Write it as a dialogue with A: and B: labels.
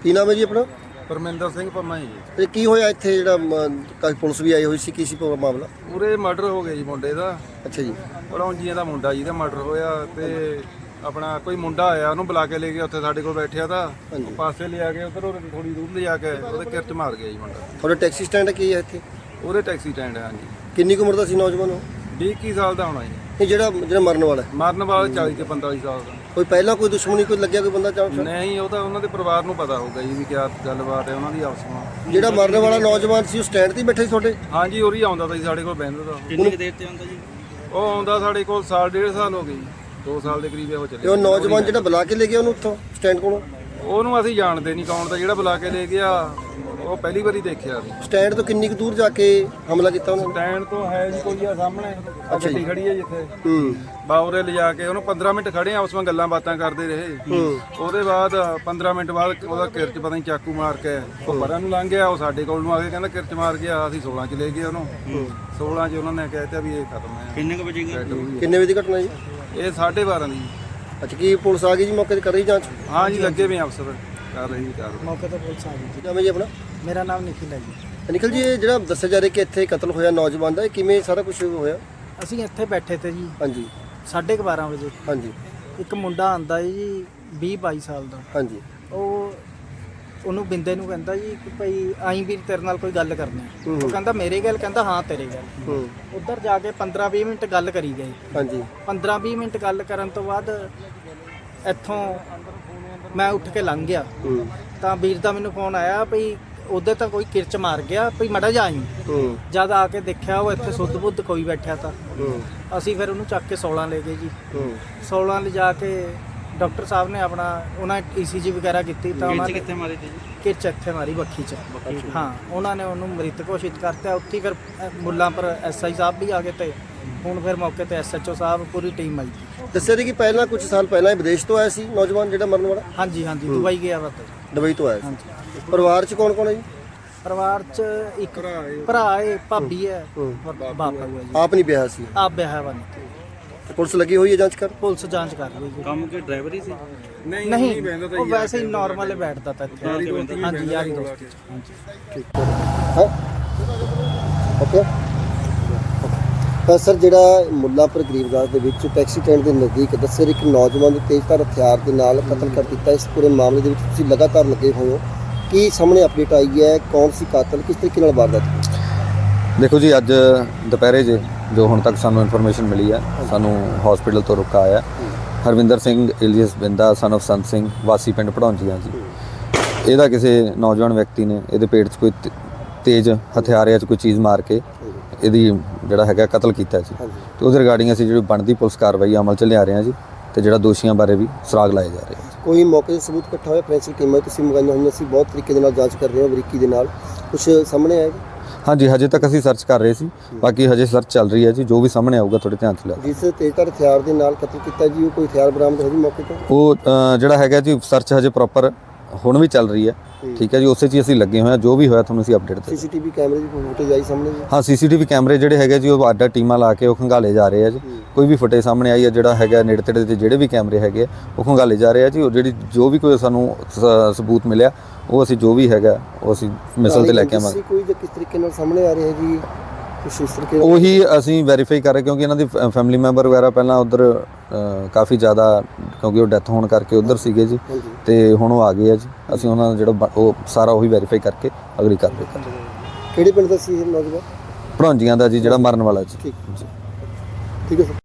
A: ਕੀ ਨਾਮ ਹੈ ਜੀ ਆਪਣਾ?
B: ਪਰਮਿੰਦਰ ਸਿੰਘ ਪੰਮਾ ਜੀ।
A: ਤੇ ਕੀ ਹੋਇਆ ਇੱਥੇ ਜਿਹੜਾ ਕਾਫੀ ਪੁਲਿਸ ਵੀ ਆਈ ਹੋਈ ਸੀ, ਕੀ ਸੀ ਪੂਰਾ ਮਾਮਲਾ?
B: ਪੂਰੇ ਮਰਡਰ ਹੋ ਗਿਆ ਜੀ ਮੁੰਡੇ ਦਾ।
A: ਅੱਛਾ ਜੀ।
B: ਪੜੌਂਜੀਆਂ ਦਾ ਮੁੰਡਾ ਜੀ ਦਾ ਮਰਡਰ ਹੋਇਆ ਤੇ ਆਪਣਾ ਕੋਈ ਮੁੰਡਾ ਆਇਆ ਉਹਨੂੰ ਬੁਲਾ ਕੇ ਲੈ ਗਿਆ, ਉੱਥੇ ਸਾਡੇ ਕੋਲ ਬੈਠਿਆ ਤਾਂ ਪਾਸੇ ਲਿਆ ਕੇ ਉਧਰ ਥੋੜੀ ਦੂਰ ਲਿਜਾ ਕੇ ਉਹਦੇ ਕਿਰਚ ਮਾਰ ਗਿਆ ਜੀ ਮੁੰਡਾ।
A: ਤੁਹਾਡਾ ਟੈਕਸੀ ਸਟੈਂਡ ਕੀ ਹੈ ਇੱਥੇ?
B: ਉਹਦੇ ਟੈਕਸੀ ਸਟੈਂਡ ਹੈ। ਹਾਂਜੀ।
A: ਕਿੰਨੀ ਕੁ ਉਮਰ ਦਾ ਸੀ ਨੌਜਵਾਨ ਉਹ?
B: 20 ਸਾਲ ਦਾ ਹੋਣਾ ਜੀ।
A: ਇਹ ਜਿਹੜਾ ਮਰਨ ਵਾਲਾ ਹੈ?
B: ਮਰਨ ਵਾਲਾ 40 ਤੇ 45 ਸਾਲ ਦਾ।
A: ਕੋਈ ਪਹਿਲਾਂ ਕੋਈ ਦੁਸ਼ਮਣੀ ਕੋਈ ਲੱਗਿਆ ਕੋਈ ਬੰਦਾ ਚਾਹ?
B: ਨਹੀਂ, ਉਹ ਤਾਂ ਉਹਨਾਂ ਦੇ ਪਰਿਵਾਰ ਨੂੰ ਪਤਾ ਹੋਊਗਾ ਜੀ ਵੀ ਕਿਆ ਗੱਲਬਾਤ ਹੈ ਉਹਨਾਂ ਦੀ ਆਪਸ ਵਿੱਚ।
A: ਜਿਹੜਾ ਮਰਨ ਵਾਲਾ ਨੌਜਵਾਨ ਸੀ ਉਹ ਸਟੈਂਡ ਤੇ ਬੈਠੇ ਸੀ ਤੁਹਾਡੇ?
B: ਹਾਂਜੀ, ਉਰੀ ਆਉਂਦਾ ਤਾਂ ਜੀ ਸਾਡੇ ਕੋਲ ਬਹਿੰਦਾ ਤਾਂ।
C: ਕਿੰਨੀ ਕੁ ਦੇਰ ਤੇ ਆਉਂਦਾ ਜੀ?
B: ਉਹ ਆਉਂਦਾ ਸਾਡੇ ਕੋਲ ਸਾਲ 1.5 ਸਾਲ ਹੋ ਗਏ ਜੀ। 2 ਸਾਲ ਦੇ ਕਰੀਬ ਉਹ
A: ਤੇ
B: ਚੱਲੇ।
A: ਉਹ ਨੌਜਵਾਨ ਜਿਹੜਾ ਬੁਲਾ ਕੇ ਲੈ ਗਿਆ ਉਹਨੂੰ ਉੱਥੋਂ ਸਟੈਂਡ ਕੋਲੋਂ?
B: ਉਹਨੂੰ ਅਸੀਂ ਜਾਣਦੇ ਨਹੀਂ ਕੌਣ ਦਾ, ਜਿਹੜਾ ਬੁਲਾ ਕੇ ਲੈ ਗਿਆ ਉਹ ਪਹਿਲੀ ਵਾਰੀ ਦੇਖਿਆ ਸੀ।
A: ਸਟੈਂਡ ਤੋਂ ਕਿੰਨੀ ਕੁ ਦੂਰ ਜਾ ਕੇ ਹਮਲਾ ਕੀਤਾ ਉਹਨਾਂ ਨੇ?
B: ਸਟੈਂਡ ਤੋਂ ਹੈ ਜੀ ਕੋਈ ਆ ਸਾਹਮਣੇ ਗੱਡੀ ਖੜੀ ਹੈ ਜਿੱਥੇ ਬਾਉਰੇ ਲਿਜਾ ਕੇ ਉਹਨੂੰ 15 ਮਿੰਟ ਖੜੇ ਆ, ਉਸ ਵਿੱਚ ਗੱਲਾਂ ਬਾਤਾਂ ਕਰਦੇ ਰਹੇ। ਉਹਦੇ ਬਾਅਦ 15 ਮਿੰਟ ਬਾਅਦ ਉਹਦਾ ਕਿਰਚ ਪਤਾ ਨਹੀਂ ਚਾਕੂ ਮਾਰ ਕੇ ਉਹ ਪਰਾਂ ਨੂੰ ਲੰਘ ਗਿਆ। ਉਹ ਸਾਡੇ ਕੋਲ ਨੂੰ ਆ ਕੇ ਕਹਿੰਦਾ ਕਿਰਚ ਮਾਰ ਗਿਆ। ਅਸੀਂ 16 ਚ ਲੈ ਗਏ ਉਹਨੂੰ। 16 ਚ ਉਹਨਾਂ ਨੇ ਕਹਿਤਾ ਵੀ ਇਹ ਖਤਮ ਹੈ।
C: ਕਿੰਨੇ ਕੁ ਵਜੇ ਗਏ?
A: ਕਿੰਨੇ ਵਜੇ ਦੀ ਘਟਨਾ ਜੀ?
B: ਇਹ 12:30 ਦੀ।
A: ਅੱਛਾ, ਕੀ ਪੁਲਿਸ ਆ ਗਈ ਜੀ ਮੌਕੇ ਤੇ ਕਰ ਰਹੀ ਜਾਂਚ?
B: ਹਾਂ ਜੀ, ਲੱਗੇ ਵੀ ਅਫਸਰ ਕਰ ਰਹੀ ਕਾਰਵਾਈ।
A: ਮੌਕੇ ਤੇ ਪੁਲਿਸ ਆ ਗਈ ਜੀ। ਨਾਮ ਹੈ ਜੀ ਆਪਣਾ?
D: ਮੇਰਾ ਨਾਮ ਨਿਖਿਲ ਹੈ ਜੀ।
A: ਨਿਖਿਲ ਜੀ, ਇਹ ਜਿਹੜਾ ਦੱਸਿਆ ਜਾ ਰਿਹਾ ਕਿ ਇੱਥੇ ਕਤਲ ਹੋਇਆ ਨੌਜਵਾਨ ਦਾ, ਇਹ ਕਿਵੇਂ ਸਾਰਾ ਕੁਝ ਹੋਇਆ?
D: ਅਸੀਂ ਇੱਥੇ ਬੈਠੇ ਤੇ ਜੀ
A: ਹਾਂਜੀ
D: 12:30 ਵਜੇ।
A: ਹਾਂਜੀ
D: ਇੱਕ ਮੁੰਡਾ ਆਂਦਾ ਜੀ 20-22 ਸਾਲ ਦਾ।
A: ਹਾਂਜੀ।
D: ਉਹਨੂੰ ਬਿੰਦੇ ਨੂੰ ਕਹਿੰਦਾ ਜੀ ਕਿ ਭਾਈ ਆਈ ਵੀ ਤੇਰੇ ਨਾਲ ਕੋਈ ਗੱਲ ਕਰਨੀ ਹੈ। ਉਹ ਕਹਿੰਦਾ ਮੇਰੇ ਗੱਲ? ਕਹਿੰਦਾ ਹਾਂ ਤੇਰੇ ਗੱਲ। ਉੱਧਰ ਜਾ ਕੇ 15-20 ਮਿੰਟ ਗੱਲ ਕਰੀ ਗਏ।
A: ਹਾਂਜੀ।
D: 15-20 ਮਿੰਟ ਗੱਲ ਕਰਨ ਤੋਂ ਬਾਅਦ ਇੱਥੋਂ ਮੈਂ ਉੱਠ ਕੇ ਲੰਘ ਗਿਆ ਤਾਂ ਵੀਰ ਦਾ ਮੈਨੂੰ ਫੋਨ ਆਇਆ ਭਈ ਉਹਦੇ ਤਾਂ ਕੋਈ ਕਿਰਚ ਮਾਰ ਗਿਆ, ਭਈ ਮੜਾ ਜਾ ਆਈ। ਜਦ ਆ ਕੇ ਦੇਖਿਆ ਉਹ ਇੱਥੇ ਸੁੱਧ ਬੁੱਧ ਕੋਈ ਬੈਠਿਆ ਤਾਂ ਅਸੀਂ ਫਿਰ ਉਹਨੂੰ ਚੱਕ ਕੇ 16 ਲੈ ਗਏ ਜੀ। 16 ਲਿਜਾ ਕੇ ਡਾਕਟਰ ਸਾਹਿਬ ਨੇ ਆਪਣਾ ਉਹਨਾਂ ECG ਵਗੈਰਾ ਕੀਤੀ ਤਾਂ ਉਹਨਾਂ ਨੇ
C: ਕਿੱਥੇ ਮਾਰੀ ਤੀ ਜੀ?
D: ਕਿਰਚ ਇੱਥੇ ਮਾਰੀ ਬੱਖੀ 'ਚ। ਹਾਂ, ਉਹਨਾਂ ਨੇ ਉਹਨੂੰ ਮ੍ਰਿਤ ਘੋਸ਼ਿਤ ਕਰਤਾ। ਉੱਥੇ ਫਿਰ ਮੁੱਲਾਂਪੁਰ SI ਸਾਹਿਬ ਵੀ ਆ ਗਏ ਤੇ ਹੁਣ ਫਿਰ ਮੌਕੇ ਤੇ SHO ਸਾਹਿਬ ਪੂਰੀ ਟੀਮ ਆਈ।
A: ਦੱਸਿਆ ਜੀ ਕਿ ਪਹਿਲਾਂ ਕੁਝ ਸਾਲ ਪਹਿਲਾਂ ਹੀ ਵਿਦੇਸ਼ ਤੋਂ ਆਇਆ ਸੀ ਨੌਜਵਾਨ ਜਿਹੜਾ ਮਰਨ ਵਾਲਾ?
D: ਹਾਂਜੀ ਹਾਂਜੀ, ਦੁਬਈ ਗਿਆ ਵਾ।
A: ਦੁਬਈ ਤੋਂ ਆਇਆ ਸੀ।
D: ਹਾਂਜੀ।
A: ਪਰਿਵਾਰ 'ਚ ਕੌਣ ਕੌਣ ਹੈ ਜੀ?
D: ਪਰਿਵਾਰ 'ਚ ਇੱਕ ਭਰਾ ਹੈ, ਭਾਬੀ ਹੈ, ਬਾਪ ਹੈ ਜੀ।
A: ਆਪ ਨਹੀਂ ਵਿਆਹ ਸੀ?
D: ਆਪ ਵਿਆਹ ਵਾ ਨਹੀਂ।
A: ਤੇ ਪੁਲਿਸ ਲੱਗੀ ਹੋਈ ਹੈ ਜਾਂਚ ਕਰ?
D: ਪੁਲਿਸ ਜਾਂਚ ਕਰ ਰਹੀ ਹੈ।
C: ਕੰਮ ਕੇ ਡਰਾਈਵਰ ਹੀ ਸੀ?
D: ਨਹੀਂ, ਉਹ ਵੈਸੇ ਹੀ ਨਾਰਮਲ ਬੈਠਦਾ ਤਾਂ ਇੱਥੇ। ਹਾਂਜੀ, ਯਾਰੀ ਦੋਸਤੀ 'ਚ। ਹਾਂਜੀ,
A: ਠੀਕ ਹੈ। ਓਕੇ। ਤਾਂ ਸਰ, ਜਿਹੜਾ ਮੁੱਲਾਂਪੁਰ ਗਰੀਬਗਾਜ ਦੇ ਵਿੱਚ ਟੈਕਸੀ ਸਟੈਂਡ ਦੇ ਨਜ਼ਦੀਕ ਦੱਸਿਆ ਇੱਕ ਨੌਜਵਾਨ ਨੂੰ ਤੇਜ਼ਧਾਰ ਹਥਿਆਰ ਦੇ ਨਾਲ ਕਤਲ ਕਰ ਦਿੱਤਾ, ਇਸ ਪੂਰੇ ਮਾਮਲੇ ਦੇ ਵਿੱਚ ਤੁਸੀਂ ਲਗਾਤਾਰ ਲੱਗੇ ਹੋਏ ਹੋ, ਕੀ ਸਾਹਮਣੇ ਅਪਡੇਟ ਆਈ ਹੈ? ਕੌਣ ਸੀ ਕਾਤਲ, ਕਿਸ ਤਰੀਕੇ ਨਾਲ ਵਾਰਦਾਤ?
E: ਦੇਖੋ ਜੀ, ਅੱਜ ਦੁਪਹਿਰੇ ਜੋ ਹੁਣ ਤੱਕ ਸਾਨੂੰ ਇਨਫੋਰਮੇਸ਼ਨ ਮਿਲੀ ਹੈ, ਸਾਨੂੰ ਹਸਪੀਟਲ ਤੋਂ ਰੁਕਾ ਆਇਆ Harvinder Singh alias Binda son of Sant Singh ਵਾਸੀ ਪਿੰਡ ਪੜੌਂਜੀਆਂ ਜੀ। ਇਹਦਾ ਕਿਸੇ ਨੌਜਵਾਨ ਵਿਅਕਤੀ ਨੇ ਇਹਦੇ ਪੇਟ 'ਚ ਕੋਈ ਤੇਜ਼ ਹਥਿਆਰ 'ਚ ਕੋਈ ਚੀਜ਼ ਮਾਰ ਕੇ ਇਹਦੀ ਜਿਹੜਾ ਹੈਗਾ ਕਤਲ ਕੀਤਾ ਜੀ। ਤੇ ਉਹਦੇ ਰਿਗਾਰਡਿੰਗ ਅਸੀਂ ਜਿਹੜੀ ਬਣਦੀ ਪੁਲਿਸ ਕਾਰਵਾਈ ਅਮਲ 'ਚ ਲਿਆ ਰਹੇ ਹਾਂ ਜੀ, ਤੇ ਜਿਹੜਾ ਦੋਸ਼ੀਆਂ ਬਾਰੇ ਵੀ ਸੁਰਾਗ ਲਾਏ ਜਾ ਰਹੇ ਹਨ।
A: ਕੋਈ ਮੌਕੇ 'ਤੇ ਸਬੂਤ ਇਕੱਠਾ ਹੋਇਆ? ਫੋਰੈਂਸਿਕ ਟੀਮਾਂ ਤੁਸੀਂ ਮੰਗਾਈਆਂ ਹੋਈਆਂ ਸੀ, ਬਹੁਤ ਤਰੀਕੇ ਦੇ ਨਾਲ ਜਾਂਚ ਕਰ ਰਹੇ ਹੋ, ਬਰੀਕੀ ਦੇ ਨਾਲ, ਕੁਝ ਸਾਹਮਣੇ ਆਇਆ?
E: ਹਾਂਜੀ, ਹਜੇ ਤੱਕ ਅਸੀਂ ਸਰਚ ਕਰ ਰਹੇ ਸੀ, ਬਾਕੀ ਹਜੇ ਸਰਚ ਚੱਲ ਰਹੀ ਹੈ ਜੀ। ਜੋ ਵੀ ਸਾਹਮਣੇ ਆਊਗਾ ਤੁਹਾਡੇ ਧਿਆਨ 'ਚ ਲਿਆ।
A: ਜਿਸ ਤੇਜ਼ਧਾਰ ਹਥਿਆਰ ਦੇ ਨਾਲ ਕਤਲ ਕੀਤਾ ਜੀ, ਉਹ ਕੋਈ ਹਥਿਆਰ ਬਰਾਮਦ ਹੋ ਜੀ ਮੌਕੇ ਤੋਂ?
E: ਉਹ ਜਿਹੜਾ ਹੈਗਾ ਜੀ, ਸਰਚ ਹਜੇ ਪ੍ਰੋਪਰ ਹੁਣ ਵੀ ਚੱਲ ਰਹੀ ਹੈ। ਠੀਕ ਹੈ ਜੀ, ਉਸੇ 'ਚ ਅਸੀਂ ਲੱਗੇ ਹੋਏ ਹਾਂ। ਜੋ ਵੀ ਹੋਇਆ ਤੁਹਾਨੂੰ ਅਸੀਂ ਅਪਡੇਟ ਦੇ।
A: CCTV ਕੈਮਰੇ ਦੀ ਫੁਟੇਜ ਆਈ ਸਾਹਮਣੇ ਜੀ? ਹਾਂ,
E: CCTV ਕੈਮਰੇ ਜਿਹੜੇ ਹੈਗੇ ਜੀ, ਉਹ ਅੱਡ ਟੀਮਾਂ ਲਾ ਕੇ ਉਹ ਖੰਗਾਲੇ ਜਾ ਰਹੇ ਆ ਜੀ। ਕੋਈ ਵੀ ਫੁਟੇਜ ਸਾਹਮਣੇ ਆਈ ਹੈ ਜਿਹੜਾ ਹੈਗਾ ਨੇੜੇ ਤੇੜੇ ਦੇ ਜਿਹੜੇ ਵੀ ਕੈਮਰੇ ਹੈਗੇ ਉਹ ਖੰਗਾਲੇ ਜਾ ਰਹੇ ਆ ਜੀ। ਉਹ ਜੋ ਵੀ ਕੋਈ ਸਾਨੂੰ ਸਬੂਤ ਮਿਲਿਆ ਉਹ ਅਸੀਂ ਜੋ ਵੀ ਹੈਗਾ ਉਹ ਅਸੀਂ ਮਿਸਲ ਤੇ ਲੈ ਕੇ ਆਵਾਂਗੇ।
A: ਕੋਈ ਕਿਸ ਤਰੀਕੇ ਨਾਲ ਸਾਹਮਣੇ ਆ ਰਿਹਾ ਜੀ ਕੁਛ ਇਸ ਤਰੀਕੇ?
E: ਉਹੀ ਅਸੀਂ ਵੈਰੀਫਾਈ ਕਰ ਰਹੇ, ਕਿਉਂਕਿ ਇਹਨਾਂ ਦੀ ਫੈਮਿਲੀ ਮੈਂਬਰ ਵਗੈਰਾ ਪਹਿਲਾਂ ਉੱਧਰ ਕਾਫੀ ਜ਼ਿਆਦਾ, ਕਿਉਂਕਿ ਉਹ ਡੈਥ ਹੋਣ ਕਰਕੇ ਉੱਧਰ ਸੀਗੇ ਜੀ, ਤੇ ਹੁਣ ਉਹ ਆ ਗਏ ਆ ਜੀ। ਅਸੀਂ ਉਹਨਾਂ ਦਾ ਜਿਹੜਾ ਉਹ ਸਾਰਾ ਉਹੀ ਵੈਰੀਫਾਈ ਕਰਕੇ ਅਗਲੀ ਕਾਰਵਾਈ ਕਰਾਂਗੇ।
A: ਕਿਹੜੇ ਪਿੰਡ ਦਾ ਸੀ ਇਹ ਨੌਜਵਾਨ?
E: ਪੜੌਂਜੀਆਂ ਦਾ ਜੀ, ਜਿਹੜਾ ਮਰਨ ਵਾਲਾ ਜੀ।
A: ਠੀਕ ਹੈ ਸਰ।